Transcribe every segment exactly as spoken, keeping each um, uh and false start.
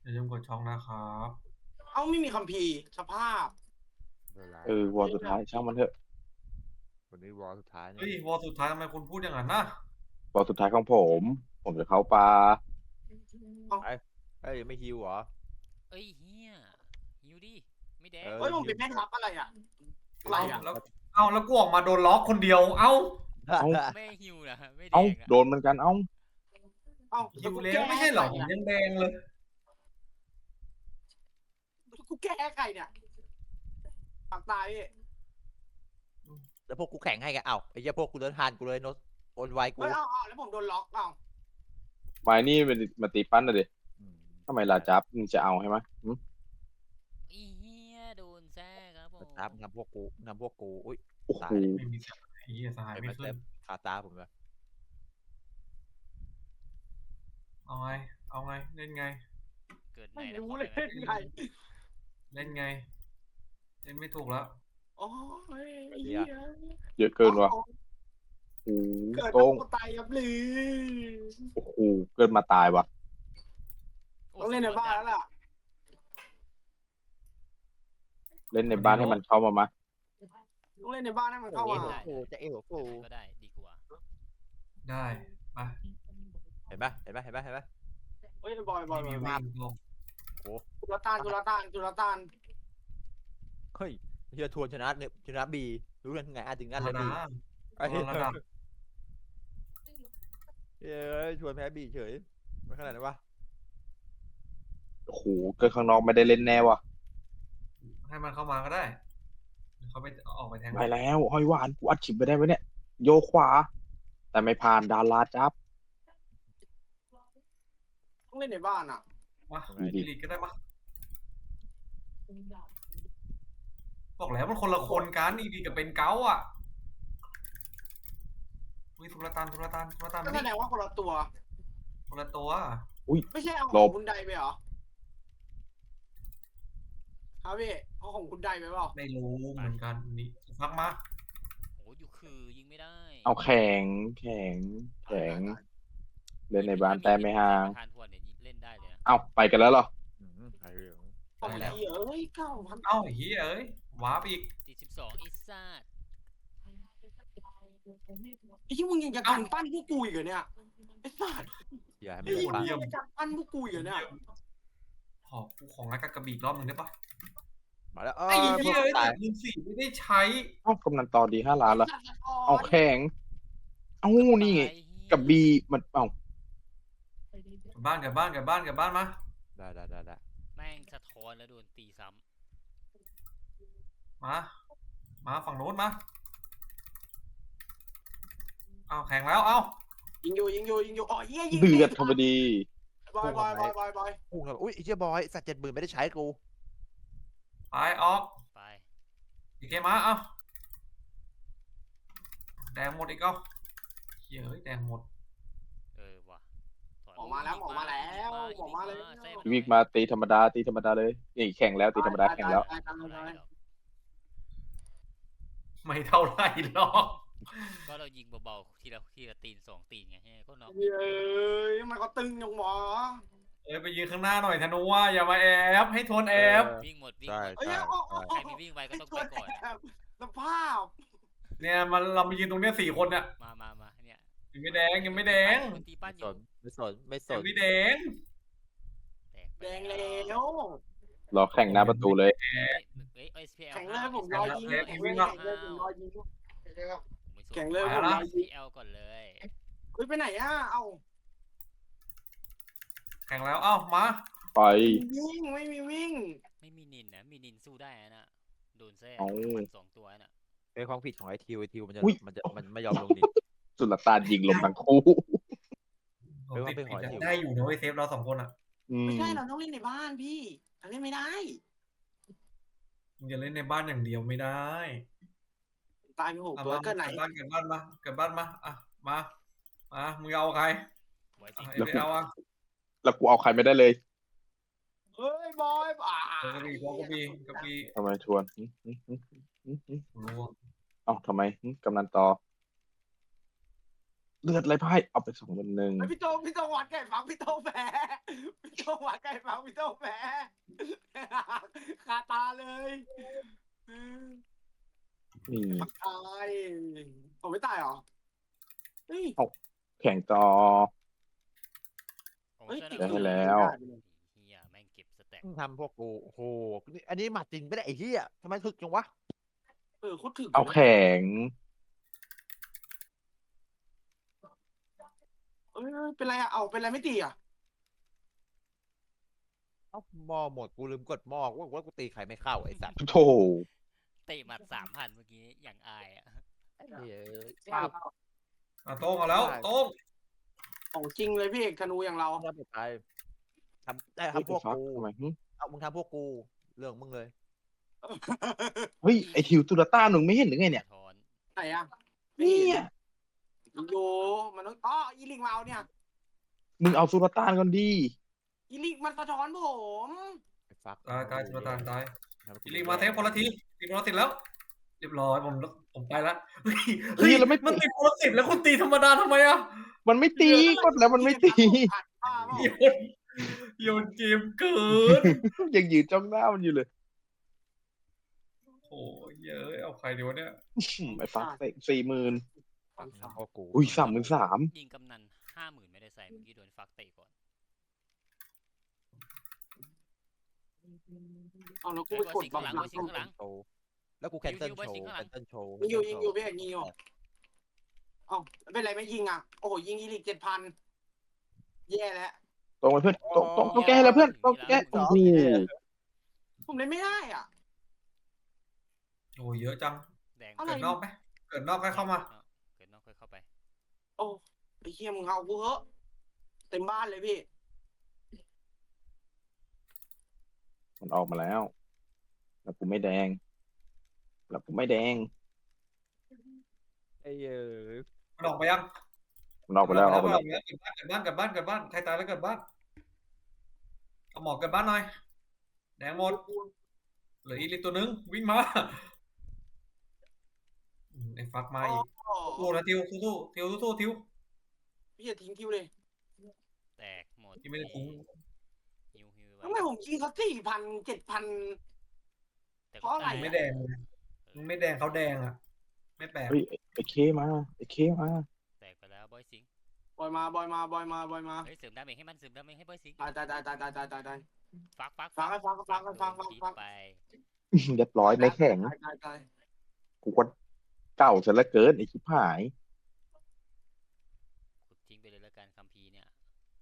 อย่าลืมกดช่องนะครับเอ้าไม่มีคัมภีร์สภาพเออวอลสุดท้ายช่างมันเถอะวันนี้วอลสุดท้ายนี่เฮ้ยวอลสุดท้ายทำไมคุณพูดอย่างนั้นนะวอลสุดท้ายของผมผมจะเข้าป่าไอ้ไอ้ยไม่ฮิวเหรอเอ้ยเฮียหิวดิไม่แดงเออเฮ้ยผมเป็นแม่ทัพอะไรอ่ะอะไรเอาอ่ะแล้วเอาแล้วกูออกมาโดนล็อกคนเดียว เอ้าไม่หิวนะไม่แดเอ้างนะโดนเหมือนกันเอ้าเอ้าหิวแล้วไม่ใช่เหรอผมยังแดงเลยกูแก้ไก่เนี่ยปากตายพี่แล้วพวกกูแข่งให้กันเอ้าไอ้เหี้ยพวกกูเดินทานกูเลยโนตโอนไวกูเฮ้ยเอ้าเอ้าแล้วผมโดนล็อกเอ้าไม้นี่มันมาตีปั้นนะดิอืมทำไมลาจับมึงจะเอาใช่ไหมหึอีเฮียโดนแซ่ครับผมตามนำพวกกูนำพวกกูอุ้ยโอ้โหตายเลยไม่มีเสียงไอ้เหี้ยสหายไอ้ไม่มันขึ้เต็นมคาตาผมเลยเอาไง เอาไง เล่นไงเกิดไหนไม่นะรู้ขอเลยได้ไหมไงเล่นไง เล่นไม่ถูกแล้วโอ้ยไอ้เหี้ยเยอะเกินว่ะโอ้โหเกิดโกงมาตายครับหรือโอ้โหเกินมาตายว่ะโต้องเล่นในบ้านแล้วล่ะเล่นในบ้านให้มันเข้ามามาต้องเล่นในบ้านให้มันเข้าเอ๋มาหัวกูจะเอ๋หัวกูก็ได้ดีกว่าได้ไปเห็นปะเห็นปะเห็นปะเห็นปะเฮ้ยบอยบอยบมีอยวิ่งลงจุลตานจุลตานจุลตานเฮ้ยเฮียทวนชนะเนี่ยชนะบีรู้กันไงอ่ะถึงนั่นเลยนะบีไอ้เหี้ยระดับเฮ้ยชวนแพ้บีเฉยไม่ขนาดนั้นวะโอ้โหเกินข้างนอกไม่ได้เล่นแน่ว่ะให้มันเข้ามาก็ได้เดี๋ยวเขาไปออกไปแทงไปแล้วห้อยหวานกูอัดฉิบไปได้ไหมเนี่ยโยกขวา แต่ไม่ผ่านดาราจับต้องเล่นในบ้านอ่ะมาอีลีกก็ได้มาบอกแล้วมันคนละคนกันอีลีกับเป็นเกาอ่ะวิทุลตานทุลตานทุลตานก็มาแสนี่ดงว่าคนละตัวคนละตัวไม่ใช่เอาขหลองบคุณใดไปเหรอครับพี่เอาของคุณใดไปเปล่าไม่รู้เหมือนกันนี่พักมาโอ้อยู่คือยิงไม่ได้เอาแข็งแข็งแข็ง เล่นในบ้านแต่ไม่ห่างประธานทวนเนี่ยเล่นได้เลยนะเอาไปกันแล้วเหรออืมไอ้เรื่องของดีเอ้ยเก้าพันเอ้าเฮียเอ้ย วาร์ปอีกสี่สิบสองอิซ่าไอ้ที่มึงยังจะกันปั้นพวกกูอีกเหรอเนี่ยไอ้สัสอย่าให้ไอ้มันที่ปามึงยังจะกันปั้นพวกกูอีกเหรอเนี่ยขอกูของนักกระบี่อีกรอบหนึ่งได้ปะมาแล้วเอไอ้อเฮียเอ้ยตายแต่ลืมสี่ไม่ได้ใช้เอ้ากำนันต่อดีห้าล้านละเอาแข็ง เอ้านี่ไงตายเหี้ยกับบีมันเอ้ากลับบ้านกลับบ้านกลับบ้านกลับบ้านมาได้ได้ได้ได้แม่งสะท้อนแล้วโดนตีซ้มา มาฝั่งโน้นมาเอาแข่งแล้วเอายิงอยู่ยิงอยู่ยิงอยู่อ๋อเหี้ยยิงเดือดธรรมดีบอยบอยบอยบอยบอยพุ่งทำไมอุ้ยไอ้เจ้าบอยสัตว์เจ็ดหมื่นไม่ได้ใช้กูไปออกำไปอีกเกมมาเอาแดงหมดอีกเอาเฮียเอ้ยแดงหมดเออว่ะถยหมอมาแล้วหมอมาแล้วหมอมาแล้วแซ่บวิกมาตีธรรมดาตีธรรมดาเลยนี่แข่งแล้วตีธรรมดาแข่งแล้วตายตายตายไม่เท่าไหร่หรอกก็เรายิงเบาๆทีละทีละตีนสองตีนไงให้ก็น็อกเย้ยทำไมเขาตึงอย่างหมอเอ้ยไปยืนข้างหน้าหน่อยธนูว่าอย่ามาแอบให้ทนแอบวิ่งหมดวิ่งใช่หมดเอ้ยใช่เอาเอาใครเอามีวิ่งไวก็ไอ้ต้องตัวไปก่อนแอบสภาพเนี่ยมันเรามายืนตรงเนี้ยสี่คนเนี่ยมามามาเนี่ยยังไม่แดงยังไม่แดงมันตีปั้นอสยู่นไม่สนไม่สยังนไม่แดงแตกไปแดงแล้วรอแข่งหน้าประตูเลยเฮ้ยเฮ้ย เอส พี แอลแข่งเลยผมรอยิงแข่งเลยแข่งเลยผมรอยิง แข่งเลยผมรอยิงพี แอล ก่อนเลยเฮ้ยไปไหนอ่ะเอ้าแข่งแล้วเอ้ามาไปวิ่งไม่มีวิ่งไม่มีนินนะมีนินสู้ได้นะโดนแซ่เอ้ามันสองตัวน่ะเป็นความผิดของไอทิวไอทิวมันจะอุ๊ยมันจะมันไม่ยอมลงดินสุลต่านยิงลมทั้งคู่ผมติดเป็นหอยติดอยู่ได้อยู่นะเว้ยเซฟเราสองคนอ่ะอืมไม่ใช่เราต้องเล่นในบ้านพี่เราเล่นไม่ได้มึงจะเล่นในบ้านอย่างเดียวไม่ได้ตายไปหกอ่ะตัวมาเกิดไหนกลับบ้านกลับบ้านมาเกิดบ้านมาอ่ะมามามึงเอาใครไว้อ่ะสิเอ็มไปเอาอ่ะแล้วกูเอาใครไม่ได้เลยเฮ้ยบอยอ่าเออกระบี่กระบี่กระบี่ทำไมชวนหึหึหึหึหึรู้ว่าเอ้าทำไมหึกำนันต่อเลือดไรพ่ายเอาไปสองคนหนึ่งไอพี่โตพี่โตหวานไก่ฝังพี่โตแพ้พี่โตหวานไก่ฝังพี่โตแพ้คาตาเลยอืมนี่ตายผมไม่ตายเหรอเฮ้ยแข่งต่อโอ้เฮ้ยเสื้อติดหนังได้แล้วเฮียแม่งเก็บสแต็กมึงทำพวกกูโอ้โหนี่อันนี้หมัดจริงไม่ได้ไอ้เหี้ยทำไมถึกจังวะเออโคตรถึงเอาแข่งเอ้ยเป็นไรอะเอาเป็นไรไม่ตีอะเอ้าหม้อหมดกูลืมกดหม้อว่าว่ากูตีใครไม่เข้าไอ้สัตว์โธ่เตะหมัดสามพันเมื่อกี้อย่างอายอ่ะไอ้เหี้ยป้าป้าบอ่ะโต้งเอาแล้วโต้งของจริงเลยพี่เอกธนูอย่างเราทำไปไปทำได้เฮ้ยทำพวกไอ้ฟักกูทำไมหึเอามึงทำพวกกูเรื่องมึงเลยเฮ้ยไอทิวตุลต้าหนึ่งไม่เห็นหรือไงเนี่ยสะท้อนไหนอะเนี่ยโยมันต้องอ๋ออีลิงมาเอาเนี่ยมึงเอาตุลต้านก่อนดีอีลิงมันสะท้อนผมไอ้ฟักตายตายจุลตานตายทำให้กูอีลิงมาเทปคนละทีตีคนละสิบแล้ว เรียบร้อยผมผมไปละเฮ้ยเฮ้ยเราไม่มันติดคนละสิบแล้วคุณตีธรรมดาทำไมอ่ะมันไม่ตีกดแล้วมันไม่ตีป้าเปล่าโยนโยนเกมเกินยังยืนจ้องหน้ามันอยู่เลยโอ้ยเยอะเอาใครดีวะเนี่ยอืมไอ้ฟักเตะสี่หมื่นฟักทำพวกกูอุ้ยสามหมื่นสามยิงกำนันห้าหมื่นไม่ได้ใส่เมื่อกี้โดนฟักเตะก่อนเอาแล้วกูไปกดบังข้างหลังคับไว้สิข้างหลังโชว์แล้วกูแคนเซิลยิงโชยิงว์ไว้สิข้างหลัแคงนเซิลโชว์ยิงอยู่ยิงอยู่พี่เอกยิงอยู่เอ้าเป็นไรไม่ยิงอ่ะโอ้โหยิงอีลิกเจ็ดพันแย่แล้วตรงไปเพื่อนตรงตรงต้องแก้แล้วเพื่อนต้องแก้โอ้โหผมเล่นไม่ได้อ่ะโอ้ยเยอะจังแดงอะไรเกิดนอกไหมเกิดนอกก็เข้ามาเกิดนอกค่อยเข้าไปโอ้ไอ้เฮียมึงเอากูเหอะเต็มบ้านเลยพี่มันออกมาแล้วแล้วกูไม่แดงแล้วกูไม่แดงไอ้เหี้ยมันออกไปยังมันออกไปแล้วออกไปแล้วเกิดบ้านเกิดบ้านเกิดบ้านเกิดบ้านใครตายแล้วเกิดบ้านเอาหมอกเกิดบ้านหน่อยแดงหมดเหลืออีลิตตัวนึงวิ่งมาอืมไอ้ฟักมาอีกโอ้สู้นะทิวสู้ๆทิวสู้ๆทิวพี่อย่าทิ้งคิวเลยแตกหมดที่ไม่ได้ทิ้งฮิวฮิวทำไมผมยิงเขาสี่พันเจ็ดพันแต่เพราะอะไรไม่แดงเลยมึงไม่แดงเขาแดงอ่ะ ไม่แปลกเฮ้ยไอ้ไอ้เคมาไอ้เคมาแตกไปแล้วบอยสิงบอยมาบอยมาบอยมาบอยมาเฮ้ยเสริมดาเมจให้มันเสริมดาเมจให้บอยสิงตายตายตายตายตายตายตายตายฟักฟักฟังให้ฟังฟังให้ฟังฟังฟังไปเรียบร้อยไม่แข็งตายตายตายกูก็เก่าซะเหลือเกินไอ้ชิบหายขุดทิ้งไปเลยแล้วกันคัมภีร์เนี่ย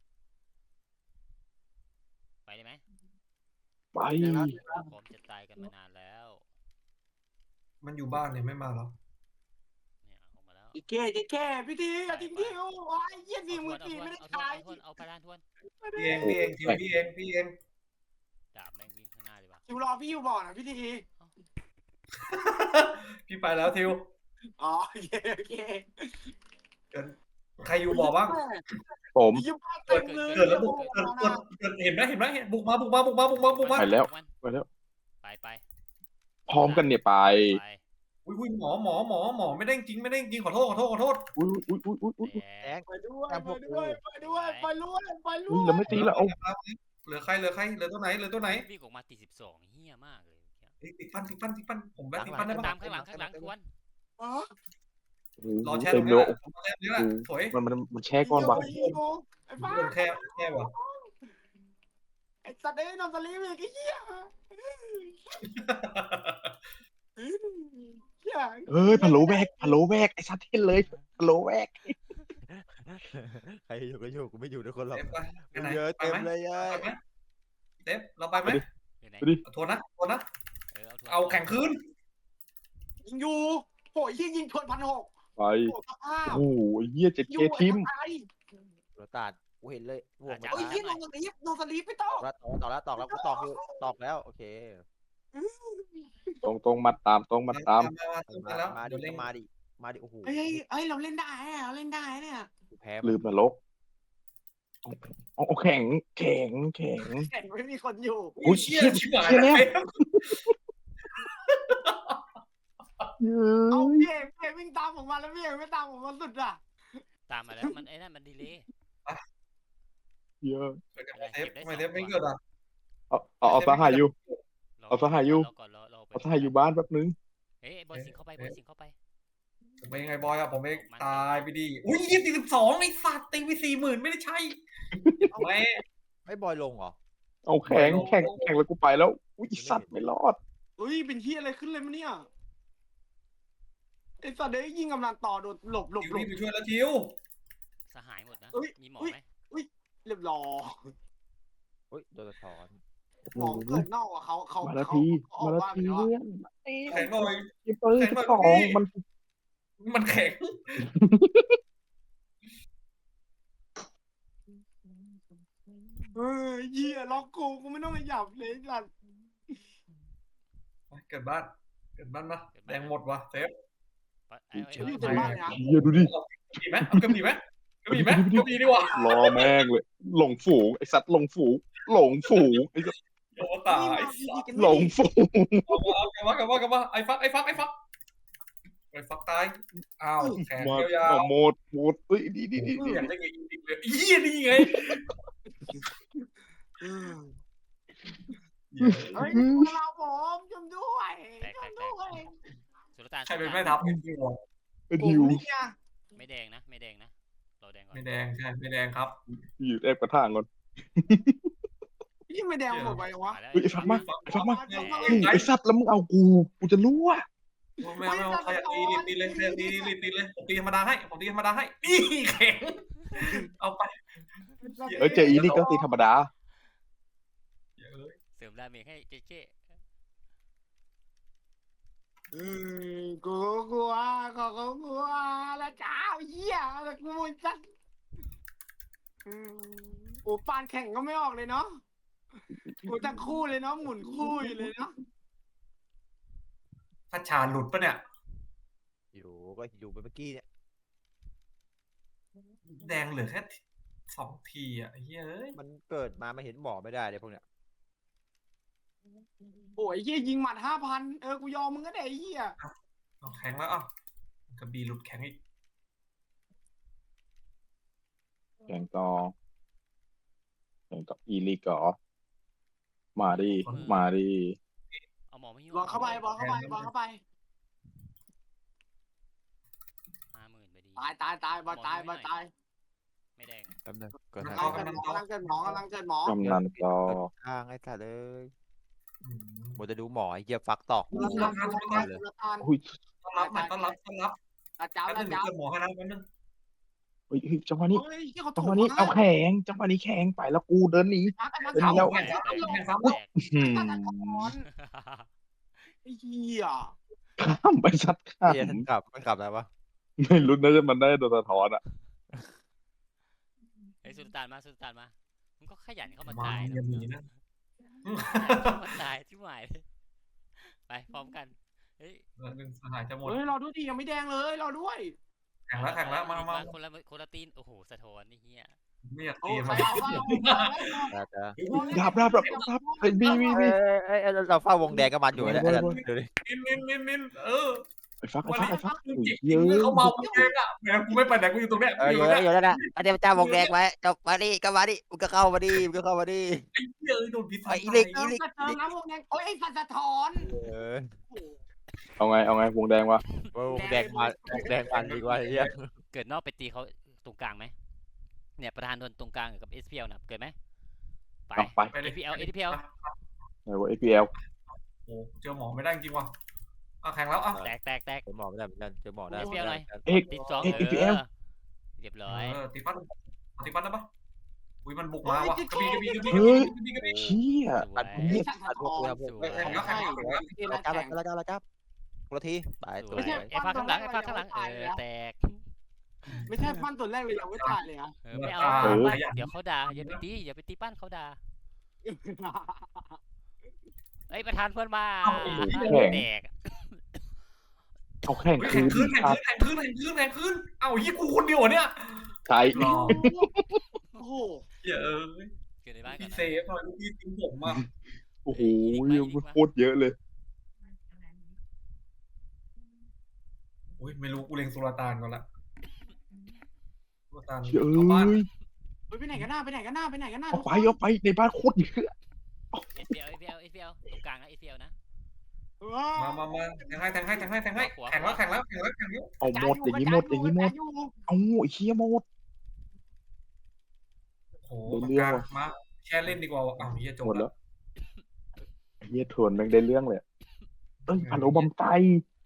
ไปได้ไหมไปพร้อมจะตายกันมานานแล้วมันอยู่บ้านเนี่ยไม่มาหรอกเนี่ยออกมาแล้วอีกแค่อีกแค่พี่ทีอย่าทิ้งคิวโอ้ยเยี่ยสี่หมื่นสี่ไม่ได้เอาทวนตายเอาทวนเอาพลานทวนพี่เองพี่เองทิวพี่เองพี่เองดาบแม่งวิ่งข้างหน้าเลยว่ะคิวรอพี่อยู่บ่อนะพี่ทีพี่ไปแล้วทิวอ๋อโอเคโอเคเกิดใครอยู่บ่อบ้างผมยิ้มเต็มเลยเกิดแล้วบุกเกิดเกิดเกิดเห็นไหมเห็นไหมเห็นบุกมาบุกมาบุกมาบุกมาบุกมาไปแล้วมันไปแล้วไปไปพร้อมกันเนี่ยไปไปอุ้ยอุ้ยหมอหมอหมอหมอไม่ได้จริงไม่ได้จริงขอโทษขอโทษขอโทษอุ้ยอุ้ยอุ้ยอุ้ยอุ้ยแดแดงงไปด้วยไปด้วยไปด้วยไปด้วยไปด้อุ้วย ยเราไม่ตีแล้วเอาเหลือใครเหลือใครเหลือตัวไหนเหลือตัวไหนวิ่งออกมาตีสิบสองเฮี้ยมากเลยเอ้ยติดฟันติดฟันติดฟันผมแบทติดตาฟันได้มปะตามข้างหลังข้างหลังทวนอ๋อโอ้รอโหแช่ตเต็รมงเลนี้ยแหละรอแช่ตรงนี้แหละสวยมันมันมันแช่ก้อนวะไอ้ฟ้าโดนแค่แค่ว่ะไอ้สัตว์เอ้ยนอนสลีปอีกไอ้เหี้ยเหี้ยเอ้ยพะโล้แบกพะโล้แบกไอ้สัตว์เท่นเลยพะโล้แบกใครอยู่ก็อยู่กูไม่อยู่ทุกคนหรอกเต็มไปไปไหนเยอะไปเต็มไหมเลยอ่ะไปไหมเต็มเราไปไหมอยู่ไหนไปดิเอาทวนนะทวนนะเออเอาทวนเอาแข่งคืนยิงอยู่โหยยิงยิงทวนพันหกไปโหสภาพโอ้โหไอ้เหี้ยเจ็ดอเคยู่ทิมไอ้หัวตาดกูเห็นเลยห่วงไอ้เหี้ยนอนสลีปนอนสลีปไม่ต้องตอกแล้วตอกแล้วตอกแล้วกูตอกอยู่ตอกแล้วโอเคตรงตรงมาตามตรงมาตามมาแล้วมาเดี๋ดิยวเล่นมาดิมาดิโอ้โหเฮ้ยเฮ้ยเราเล่นได้อะเราเล่นได้เนี่ยกูแพ้ลืมนรกเอาเอาแข็งแข็งแข็งแข่งไม่มีคนอยู่โอ้ยเชี่ยเชี่ยชิบหายเชี่ยแล้วเต็มเอาเย้พี่เอกพี่เอกวิ่งตามผมมาแล้วพี่เอกไม่ตามผมมาสุดอ่ะตามมาแล้วมันไอ้นั่นมันดีเลยเยอะเกิดกับอะไรเทปเก็บได้ทำไมสองเทปไม่ตัวเกิดอ่ะเอาเอาเอาสหายอยู่รอเอาสหายอยู่รอก่อนรอรอไปเอาสหายอยู่บ้านแป๊บนึงเอ้ยบอยสิงเข้าไปบอยสิงเข้าไปผมเป็นยังไงบอยอ่ะผมเองมันตายไปดีอุ้ยยี่สิบสองไอ้สัตว์ตีไปสี่หมื่นไม่ได้ใช่ไม่ไอ้บอยลงเหรอเอาแข่งแข่งแข่งแล้วกูไปแล้วอุ้ยสัตว์ไม่รอดเฮ้ยเป็นที่อะไรขึ้นเลยมั้ยเนี่ยไอ้สัตว์เด้ยยิงกำลังต่อโดดหลบหลบทิวหลรีบบไปช่วยแล้วทิวสหายหมดนะเอ้ยมีหมอเอ้ยไหมเรียบร้อยเฮ้ยโดนสะท้อนหมอเกิดนอกอ่ะเขาเขามาละเขาทีเขาออมาก ละบ้านไปทีแล้วเพื่อะอนแข็งหน่อยยิงปืนแข่งหน่อยสองพี่มันมันแข็งเฮ้ยเหี้ยล็อกกูกูไม่ต้องขยับเลยสัตว์เกิดบ้านเกิดบ้านปะแดงหมดวะเซฟปะเอาเอาอยู่เอาเต็มบ้านเลยนะเฮียดูดิกระบี่ไหมเอากระบี่ไหมกระบี่ไหมกระบี่ดีกว่ารอแม่งเลยหลงฝูงไอสัตว์หลงฝูงหลงฝูงไอสัตว์โอ้ตายนี่มาพี่กันหลไม่งดีฝูงเอามากลับมากลับมากลับมาไอ้ฟักไอ้ฟักไอ้ฟักไอ้ฟักตายอ้าวแขนมายาวมาโมดโมดเฮ้ยดีดีดีๆดีอยากได้ไงจริงๆเลยเฮียนี่ไงเฮ้ยเราผมชมด้วยชมด้วยสุลต่านใครเป็นแม่ทัพจริงๆวะไอ้ผมดิวนี่ไงไม่แดงนะไม่แดงนะเราแดงก่อนไม่แดงใช่ไม่แดงครับอยู่แอบกระถางก่อนพี่ไม่แดงหมดไปวะมาแล้วเฮ้ยไอ้ฟักมาไอ้ฟักมาเดี๋ยวเฮ้ยไอสัตว์แล้วมึงเอากูกูจะรู้อ่ะไม่เอาไม่เอาใครอยากตีรีบตีเลยใครอยากตีรีบตีเลยผมตีธรรมดาให้ผมตีธรรมดาให้นี่แข็งเอาไปเออเจออีนี่ก็ตีธรรมดาเยอะเลยเสริมดาเมจให้เจ๊เจ๊อืมกูกลัวกูก็กลัวแล้วเจ้าเหี้ยแล้วกูจัดอืมโอ้ปานแข่งก็ไม่ออกเลยเนาะกูตั้งคู่เลยเนาะหมุนคู่อยู่เลยเนาะพัชชาหลุดปะเนี่ยอยู่ก็อยู่ไปเมื่อกี้เนี่ยแดงเหลือแค่สองทีอ่ะเฮ้ยมันเกิดมาไม่เห็นหมอไม่ได้เลยพวกเนี้ยโอ้ยเหี้ยยิงหมัดห้าพันเออกูยอมมึงก็ได้ไอ้เหี้ยเอาแข็งแล้วอ่ะกระบี่หลุดแข็งอีกแข่งต่อแข่งกับอีลีก่อมาดิมาดิเอาหมอไม่ยุ่งบอลเข้าไปบอลเข้าไปบอลเข้าไปห้าหมื่นไปดีตายตายตายบอลตายบอลตายไม่แดงแป๊บนึงเกิดกำทางลังเกิดหมอกำลังเกิดหมอกำลังเกิดหมอกำนันต่อทางไอ้สัตว์เลยอืมหมดจะดูหมอไอ้เหี้ยฟักตอกตุลาการตุลาการตุลาการอุ้ยต้อนรับหน่อยต้อนรับต้อนรับอาจารย์แป๊บนึอางเดี๋ยวจารเกิย์ดหมอให้นะแป๊บนึงเฮ้ยเฮ้ยจังหวะนี้เฮ้ยที่เขาจังถูหกวะนี้เอาแข่งจังหวะนี้แข่งไปแล้วกูเดินหนีพักกันมาเดี๋ยวเท้านี้เราแข่งแตกแข่งซ้ำแตกอืมไอ้เหี้ยข้ามไปสัตว์ข้ามเหี้ยกลับมันกลับแล้ววะไม่รู้นะจะมันได้โดนสะท้อนอ่ะไอ้ยสุลต่านมาสุลต่านมามึงก็ขยันเข้ามามาตายอย่าหนีนะเข้ามาตายที่หมายเลยไปพร้อมกันเฮ้ยเออหนึ่งสหายจะหมดเฮ้ยรอด้วยดิยังไม่แดงเลยรอด้วยแข่งแล้วแข่งแล้วมามาคนละคนละตีนโอ้โหสะท้อนนี่เฮียไม่อยากโอ้ตีใครมันเอาบ้างแต่แต่รับรับรับรับไอ้บีบีเอ้บียเอ้ยเอ้ยเราเฝ้าวงแดงกับมันอยู่เนี่ยเว้ยไอ้เว้ยเดี๋ยวดินินนินนินนินเออไอ้ฟักไอ้วันฟักนี้ไอ้ฟักคืออุ้ยจิกเยเมื่ออะเขาเมาเองอ่ะแหมกูไม่ไปไหนกูอยู่ตรงเนี้ยเออกูออยู่ ยู่แล้วเนี่ยอยู่แล้วนะอันนี้เจ้าวงแดงไว้เจ้ามาดิก็มาดิมึงก็เข้ามาดิมึงก็เข้ามาดิไอ้เหี้ยเอ้ยโดนพิษไอ้อีเล็กเติมกระเติมน้ำวงแดงโอ้ยไอ้สัตว์สะท้อนเออเอาไงเอาไงวงแดงวะวงแดงมาวงแดงมันดีกว่าไอ้เหี้ยเกิดนอกไปตีเขาตรงกลางไหมเนี่ยประธานโดนตรงกลางกับ เอส พี แอล นะเกิดไหมไปเอาไปไปเลยเอ พี แอล เอ พี แอลไหนวะเอพีเอลโอ้เจอหมอไม่ได้จริงว่ะอ่ะแข่งแล้วอ่ะแตกแตกแตกเจอหมอไม่ได้เหมือนกันเจอหมอได้เอฟเอลหน่อยเอกติดสองเอกเอเอพีเอลอเรียบร้อยเออตีปั้นตีปั้นได้ปะอุ้ยมันบุกมาว่ะกระบี่กระบี่กระบี่กระเฮ้ยบี่กระบี่เชี่ยสวอัยดพวกนี้อัดพวกนี้พวกสวแข่งยแล้วแข่งแล้วแข่งแล้วที่เราร้านจับแข่งเราจับเราจับคนละทีไปสตัววยไหนไอ้ฟ้าข้างหลังไอ้ฟ้าข้างหลังเออแตกไม่ใช่ปั้นตัวแรกเลยยังไม่ตายเลยอ่ะเออไม่เอาเออปั้นเดี๋ยวเขาด่าอย่าไปตีอย่าไปตีปั้นเขาด่าเอ้ยประธานเพื่อนมาแตกเอาแข่งเฮ้ยคืแข่งนคืนแข่งคืนแข่งคืนแข่งคืนแข่งคืนเอ้ายี่กูคนเดียวเนี่ยใช่รอโอ้โหเหี้ยเออเกิดในบ้านก่อพี่นเซฟหน่อยลูกพี่ทิ้งผมอ่ะโอ้โหโคตรเยอะเลยอุ้ยไม่รู้กูเล็งสุลต่านก่อนละตัวตันเฮ้ยเข้าบ้านเฮ้ยไปไหนกันหน้าไปไหนกันหน้าไปไหนกันหน้าเอาทุกไปคนเอาไปในบ้านโคตรเยอะเอสพีเอลเอสพีเอลเอสพีเอลตรงกลางนะเอสพีเอลนะเออมามามาแทงให้แทงให้แทงให้แทงให้แข่งแล้วแข่งแล้วแข่งแล้วแข่งแล้วเอาหมดอย่างนี้หมดอย่างนี้หมดเอาไอ้เหี้ยหมดโอ้โหได้ปากเรื่องกาว่ะมาแช่เล่นดีกว่าอ้าวเฮียจบหมดแล้แล้ว วไอ้เหี้ยทวนแม่งได้เรื่องเลยเอ้ยพันโอบัมไต